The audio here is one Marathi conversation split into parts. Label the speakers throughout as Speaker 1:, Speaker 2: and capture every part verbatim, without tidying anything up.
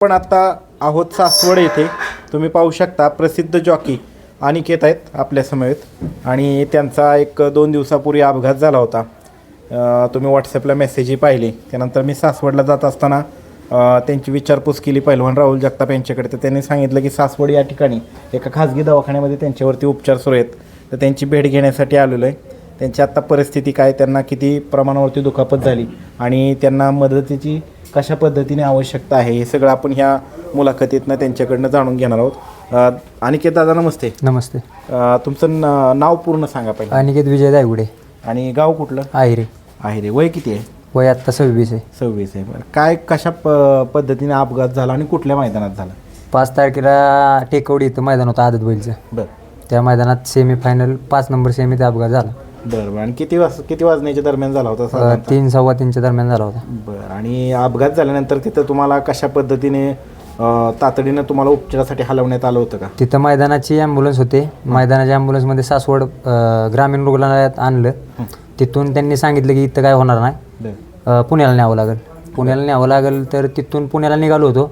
Speaker 1: पण आता आहोत सासवड येथे. तुम्ही पाहू शकता प्रसिद्ध जॉकी अनिकेत आहेत आपल्या समवेत आणि त्यांचा एक दोन दिवसापूर्वी अपघात झाला होता. अ, तुम्ही व्हॉट्सॲपला मेसेजही पाहिले. त्यानंतर मी सासवडला जात असताना अ, त्यांची विचारपूस केली पहिलवान राहुल जगताप यांच्याकडे. तर त्यांनी सांगितलं की सासवड या ठिकाणी एका खाजगी दवाखान्यामध्ये त्यांच्यावरती उपचार सुरू आहेत. तर त्यांची भेट घेण्यासाठी आलेलो आहे. त्यांची आत्ता परिस्थिती काय, त्यांना किती प्रमाणावरती दुखापत झाली आणि त्यांना मदतीची कशा पद्धतीने आवश्यकता आहे हे सगळं आपण ह्या मुलाखतीतनं त्यांच्याकडनं जाणून घेणार आहोत. अनिकेत दादा नमस्ते.
Speaker 2: नमस्ते.
Speaker 1: अ, तुमचं न नाव पूर्ण सांगा पहिलं.
Speaker 2: अनिकेत विजय दायगुडे.
Speaker 1: आणि गाव कुठलं?
Speaker 2: आहिरे.
Speaker 1: आहे रे. वय किती आहे?
Speaker 2: वय आत्ता सव्वीस आहे.
Speaker 1: सव्वीस आहे. बरं, काय कशा प पद्धतीने अपघात झाला आणि कुठल्या मैदानात झाला?
Speaker 2: पाच तारखेला टेकवडी इथं मैदान होतं आदत बैलचं.
Speaker 1: बरं
Speaker 2: त्या मैदानात सेमीफायनल पाच नंबर सेमीत अपघात झाला.
Speaker 1: बरं बरं आणि किती वाज किती वाजण्याच्या दरम्यान झाला होता
Speaker 2: अ,
Speaker 1: साधारणतः?
Speaker 2: तीन सव्वा तीनच्या दरम्यान झाला होता.
Speaker 1: बरं आणि अपघात झाल्यानंतर तिथं तुम्हाला कशा पद्धतीने अ, तातडीनं तुम्हाला उपचारासाठी हलवण्यात आलं होतं का?
Speaker 2: तिथं मैदानाची ॲम्ब्युलन्स होते. मैदानाच्या ॲम्ब्युलन्समध्ये सासवड अ, ग्रामीण रुग्णालयात आणलं. तिथून त्यांनी सांगितलं की इथं काय होणार नाही,
Speaker 1: बरं
Speaker 2: अ, पुण्याला न्यावं लागेल. पुण्याला न्यावं लागेल. तर तिथून पुण्याला निघालो होतो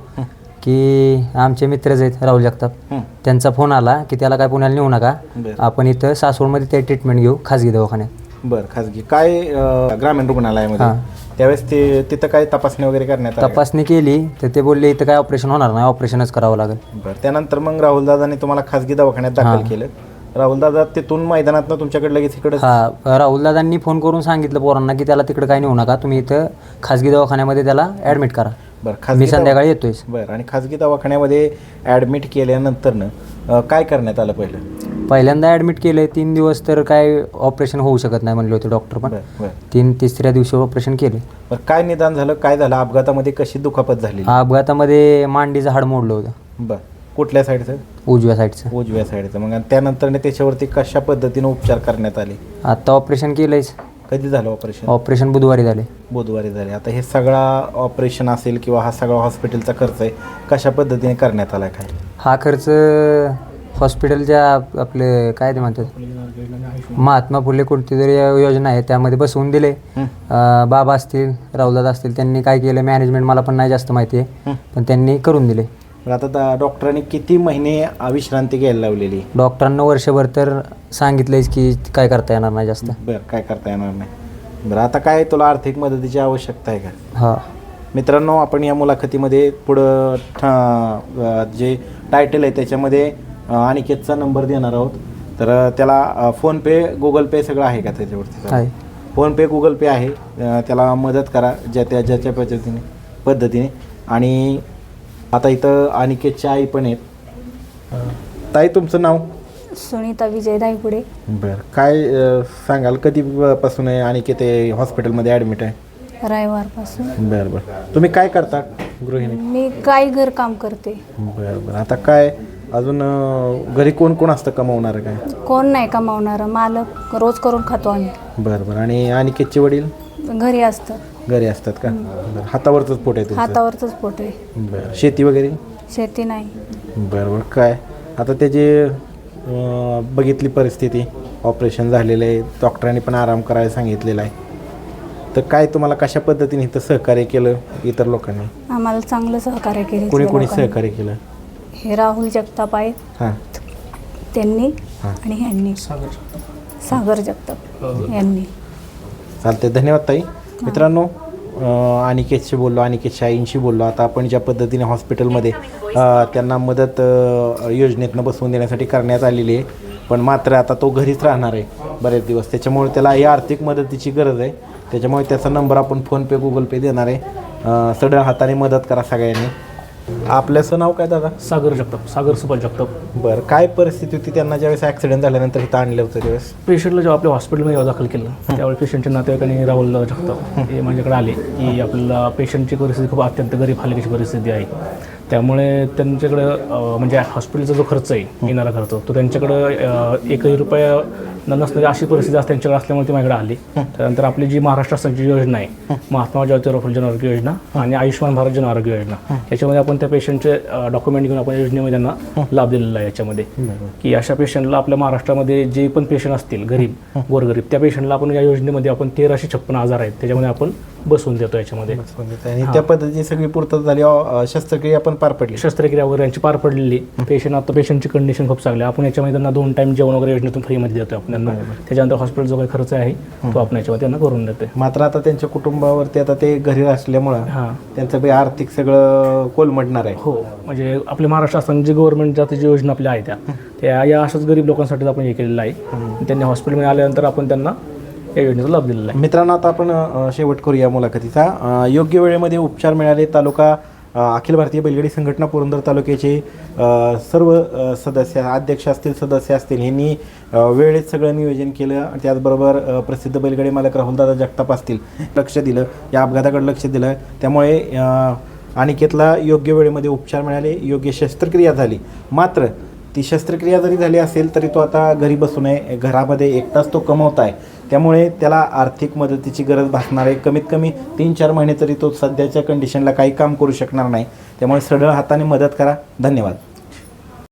Speaker 2: की आमचे मित्रच आहेत राहुल जगताप,
Speaker 1: हं.
Speaker 2: त्यांचा फोन आला की त्याला काय पुण्याला नेऊ नका,
Speaker 1: बरं
Speaker 2: आपण इथं सासवडमध्ये ते ट्रीटमेंट घेऊ खाजगी दवाखान्यात.
Speaker 1: बरं खाजगी काय अ, ग्रामीण रुग्णालयामध्ये
Speaker 2: हां.
Speaker 1: त्यावेळेस ते तिथं काय तपासणी वगैरे करण्यात आली का?
Speaker 2: तपासणी केली तर ते बोलले इथं काय ऑपरेशन होणार नाही, ऑपरेशनच करावं लागेल.
Speaker 1: बरं त्यानंतर मग राहुल दादाने तुम्हाला खाजगी दवाखान्यात दाखल
Speaker 2: हां.
Speaker 1: केलं. राहुल दादा तिथून मैदानातनं तुमच्याकडे लगेच इकडे
Speaker 2: हा, राहुल दादांनी फोन करून सांगितलं पोरांना की त्याला तिकडं काय नेऊ नका, तुम्ही इथं खाजगी दवाखान्यामध्ये त्याला ॲडमिट करा.
Speaker 1: बरं
Speaker 2: मी
Speaker 1: खाजगी दवा-
Speaker 2: संध्याकाळी येतोय.
Speaker 1: बरं आणि खाजगी दवाखान्यामध्ये ॲडमिट केल्यानंतरनं अ, काय करण्यात आलं पहिलं?
Speaker 2: पहिल्यांदा ॲडमिट केलं. तीन दिवस तर काय ऑपरेशन होऊ शकत नाही म्हणले होते डॉक्टर, पण
Speaker 1: बरं बरं
Speaker 2: तीन तिसऱ्या दिवशी ऑपरेशन केले.
Speaker 1: बरं काय निदान झालं, काय झालं अपघातामध्ये, कशी दुखापत झाली?
Speaker 2: हा, अपघातामध्ये मांडीचं हाड मोडलं होतं,
Speaker 1: बरं कुठल्या साईडचं?
Speaker 2: उजव्या साईडचं.
Speaker 1: उजव्या साईडचं. मग आणि त्यानंतर त्याच्यावरती कशा पद्धतीनं उपचार करण्यात आले?
Speaker 2: आता ऑपरेशन केलंयच.
Speaker 1: कधी झालं ऑपरेशन?
Speaker 2: ऑपरेशन बुधवारी झाले.
Speaker 1: बुधवारी झाले. आता हे सगळा ऑपरेशन असेल किंवा हा सगळा हॉस्पिटलचा खर्च आहे कशा पद्धतीने करण्यात आला काय?
Speaker 2: हा खर्च हॉस्पिटलच्या आप- आपले काय ते म्हणतात महात्मा फुले कोणती तरी योजना आहे त्यामध्ये बसवून दिले.
Speaker 1: हं.
Speaker 2: अं, बाबा असतील, राहुलदादा असतील, त्यांनी काय केलं मॅनेजमेंट मला पण नाही जास्त माहिती आहे,
Speaker 1: हं.
Speaker 2: पण त्यांनी करून दिले.
Speaker 1: तर आता दा- डॉक्टरांनी किती महिने विश्रांती घ्यायला लावलेली?
Speaker 2: डॉक्टरांना वर्षभर तर सांगितलंयच की काय करता येणार नाही जास्त.
Speaker 1: बरं काय करता येणार नाही. बरं आता काय तुला आर्थिक मदतीची आवश्यकता आहे का?
Speaker 2: हा,
Speaker 1: मित्रांनो आपण या मुलाखतीमध्ये पुढं ठा- अ, जे टायटल आहे त्याच्यामध्ये अ, अनिकेतचा नंबर देणार आहोत. तर अ, त्याला फोनपे गुगल पे सगळं आहे का त्याच्यावरती?
Speaker 2: आहे.
Speaker 1: फोनपे गुगल पे आहे. अ, त्याला मदत करा ज्या त्या ज्याच्या पद्धतीने पद्धतीने आणि आता इथं अनिकेतच्या आई पण आहेत. ताई तुमचं नाव?
Speaker 3: सुनीता विजय दायगुडे.
Speaker 1: बरं काय अ, सांगाल कधीपासून आहे अनिकेत हे हॉस्पिटलमध्ये ॲडमिट आहे?
Speaker 3: रविवारपासून.
Speaker 1: बरं बरं तुम्ही काय करता गृहिणी?
Speaker 3: मी काही घर काम करते.
Speaker 1: बरं बरं आता काय अजून अ, घरी कोण कोण असतं कमावणारं काय?
Speaker 3: कोण नाही कमावणारं, मालक रोज करून खातो आम्ही.
Speaker 1: बरं बरं आणि अनिकेतचे वडील
Speaker 3: घरी असतं.
Speaker 1: घरी असतात का? बरं हातावरचंच पोट आहे तुमचं?
Speaker 3: हातावरचंच पोट आहे.
Speaker 1: बरं शेती वगैरे?
Speaker 3: शेती नाही.
Speaker 1: बरं बरं काय आता त्याची अ, बघितली परिस्थिती, ऑपरेशन झालेलं आहे, डॉक्टरांनी पण आराम करायला सांगितलेला आहे. तर काय तुम्हाला कशा पद्धतीने इथं सहकार्य केलं इतर लोकांनी?
Speaker 3: आम्हाला चांगलं सहकार्य केले.
Speaker 1: कोणी कोणी सहकार्य केलं?
Speaker 3: हे राहुल जगताप आहेत,
Speaker 1: हां
Speaker 3: त्यांनी
Speaker 1: हां.
Speaker 3: आणि ह्यांनी सागर जगताप यांनी.
Speaker 1: चालते. धन्यवाद ताई. मित्रांनो अ, अनिकेतशी बोललो, अनिकेतच्या आईंशी बोललो. आता आपण ज्या पद्धतीने हॉस्पिटलमध्ये अ, त्यांना मदत अ, योजनेतनं बसवून देण्यासाठी करण्यात आलेली आहे, पण मात्र आता तो घरीच राहणार आहे बरेच दिवस. त्याच्यामुळे त्याला ही आर्थिक मदतीची गरज आहे. त्याच्यामुळे त्याचा नंबर आपण फोनपे गुगल पे देणार आहे. अ, सढळ हाताने मदत करा सगळ्यांनी. आपल्याचं नाव काय दादा?
Speaker 4: सागर जगताप, सागर सुभाष जगताप.
Speaker 1: बरं काय परिस्थिती होती त्यांना ज्यावेळेस ॲक्सिडेंट झाल्यानंतर इथं आणलं होतं त्यावेळेस?
Speaker 4: पेशंटला जेव्हा आपल्या हॉस्पिटलमध्ये दाखल केलं त्यावेळी पेशंटच्या नातेवाईकांनी राहुल जगताप हे माझ्याकडे आले की आपल्याला पेशंटची परिस्थिती खूप अत्यंत गरीब हलकीची परिस्थिती आहे, त्यामुळे त्यांच्याकडं अं, म्हणजे हॉस्पिटलचा जो खर्च आहे येणारा खर्च तो त्यांच्याकडं अं, एकही रुपया न नसणारी अशी परिस्थिती आज त्यांच्याकडे असल्यामुळे ती माझ्याकडे आली. त्यानंतर आपली जी महाराष्ट्र शासनाची योजना आहे महात्मा ज्योतिराव फुले जनआरोग्य योजना आणि आयुष्यमान भारत जनआरोग्य योजना, याच्यामध्ये आपण त्या पेशंटचे डॉक्युमेंट घेऊन आपण योजनेमध्ये त्यांना लाभ दिलेला आहे. याच्यामध्ये की अशा पेशंटला आपल्या महाराष्ट्रामध्ये जे पण पेशंट असतील गरीब गोरगरीब त्या पेशंटला आपण या योजनेमध्ये आपण तेराशे छप्पन आजार आहेत त्याच्यामध्ये आपण बसवून देतो याच्यामध्ये.
Speaker 1: आणि त्या पद्धतीची सगळी पूर्तता झाली, अ, शस्त्रक्रिया पण पार पडली.
Speaker 4: शस्त्रक्रिया वगैरे यांची पार पडलेली. पेशंट आता पेशंटची कंडिशन खूप चांगली आहे. आपण याच्यामध्ये त्यांना दोन टाईम जेवण वगैरे योजनेतून फ्रीमध्ये देतो आपण त्यांना. त्याच्यानंतर हॉस्पिटल जो काही खर्च आहे तो आपण याच्यामध्ये त्यांना करून देतो.
Speaker 1: मात्र आता त्यांच्या कुटुंबावरती आता ते घरी असल्यामुळं
Speaker 4: हां
Speaker 1: त्यांचं बी आर्थिक सगळं कोलमडणार आहे.
Speaker 4: हो, म्हणजे आपले महाराष्ट्र शासन जे गव्हर्नमेंटच्या जी योजना आपल्या आहेत त्या त्या या अशाच गरीब लोकांसाठी आपण हे केलेलं आहे. त्यांनी हॉस्पिटलमध्ये आल्यानंतर आपण त्यांना या योजनेचा लाभ दिलेला आहे.
Speaker 1: मित्रांनो, आता आपण अ, शेवट करूया मुलाखतीचा. अ, योग्य वेळेमध्ये उपचार मिळाले. तालुका अ, अखिल भारतीय बैलगाडी संघटना पुरंदर तालुक्याचे अ, सर्व अ, सदस्य, अध्यक्ष असतील, सदस्य असतील, यांनी अ, वेळेत सगळं नियोजन केलं. त्याचबरोबर अ, प्रसिद्ध बैलगाडी मालक राहुलदादा जगताप असतील, लक्ष दिलं, या अपघाताकडे लक्ष दिलं. त्यामुळे अ, अनिकेतला योग्य वेळेमध्ये उपचार मिळाले, योग्य शस्त्रक्रिया झाली. मात्र ती शस्त्रक्रिया जरी झाली असेल तरी तो आता घरी बसू नये, घरामध्ये एकटाच तो कमवत आहे. त्यामुळे त्याला आर्थिक मदतीची गरज भासणार आहे. कमीत कमी तीन चार महिने तरी तो सध्याच्या कंडिशनला काही काम करू शकणार नाही. त्यामुळे सरळ हाताने मदत करा. धन्यवाद.